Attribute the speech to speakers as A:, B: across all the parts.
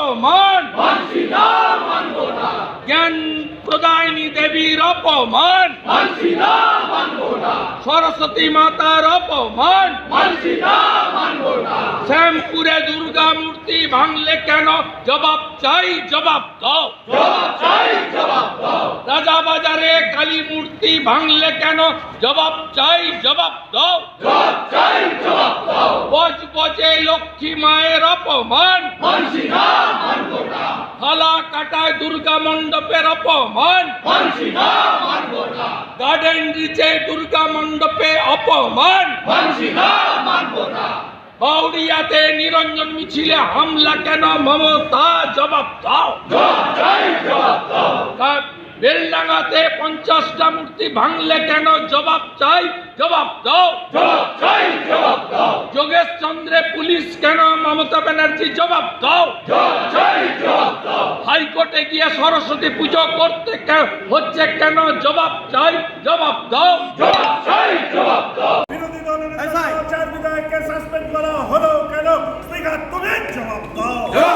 A: অপমান জ্ঞান প্রদায়িনী দেবীর অপমান, সরস্বতী মাতার অপমান, শ্যামপুরে দুর্গা মূর্তি ভাঙলে কেন জবাব চাই, জবাব দাও। রাজাবাজারে কালী মূর্তি ভাঙলে কেন জবাব চাই, জবাব দাও। বজবজে লক্ষ্মী মায়ের অপমান, থালা কাটায় দুর্গা মণ্ডপের অপমান, গার্ডেন রিচে দুর্গা মণ্ডপে অপমান, বাউরিয়াতে নিরঞ্জন মিছিলে হামলা কেন মমতা, জবাব দাও। বেলডাঙ্গাতে 50টা মূর্তি ভাঙলে কেন জবাব চাই, জবাব দাও। যোগেশ চন্দ্রে পুলিশ কেন মমতা ব্যানার্জি, জবাব দাও। হাইকোর্টে গিয়ে সরস্বতী পুজো করতে হচ্ছে কেন, জবাব চাই, জবাব দাও।
B: বিরোধী দলের 4 বিধায়ককে সাসপেন্ড করা হলো কেন, স্পিকার তুমি জবাব দাও।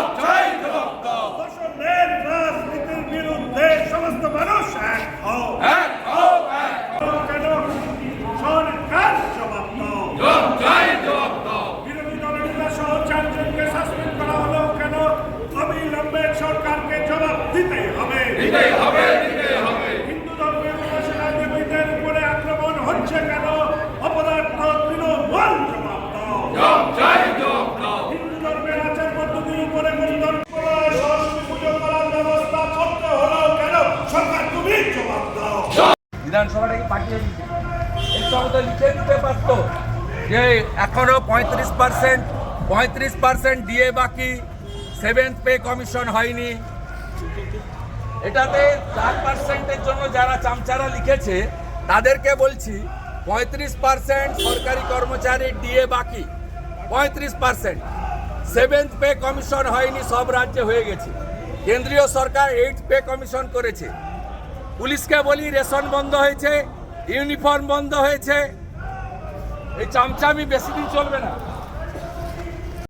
B: দর্শকদের রাজনীতির বিরুদ্ধে সমস্ত মানুষ এক হও। কেন সরকার জবাব দাও। বিরোধী দলের সহ 4 জনকে সাসপেন্ড করা হলো কেন, অবিলম্বে সরকারকে জবাব দিতে হবে। হিন্দু ধর্মের সেনাবাহিনীদের উপরে আক্রমণ হচ্ছে কেন, অপদার্থ তৃণমূল জবাব দাও। হিন্দু ধর্মের আচার পদ্ধতির উপরে সরস্বতী পুজো করার ব্যবস্থা করতে হলো কেন, সরকার তুমি জবাব দাও।
A: বিধানসভাটাকে পাঠিয়ে দিচ্ছে, এই সঙ্গে লিখে দিতে পারত যে এখনো 35% দিয়ে বাকি, 7th পে কমিশন হয়নি। এটাতে 4%-এর জন্য যারা চামচারা লিখেছে তাদেরকে বলছি 35% সরকারি কর্মচারী ডিএ বাকি, 35%। 7th পে কমিশন হয়নি, সব রাজ্যে হয়ে গেছে। কেন্দ্রীয় সরকার 8th পে কমিশন করেছে। পুলিশকে বলি রেশন বন্ধ হয়েছে, ইউনিফর্ম বন্ধ হয়েছে। এই চামচামি বেশি দিন চলবে না।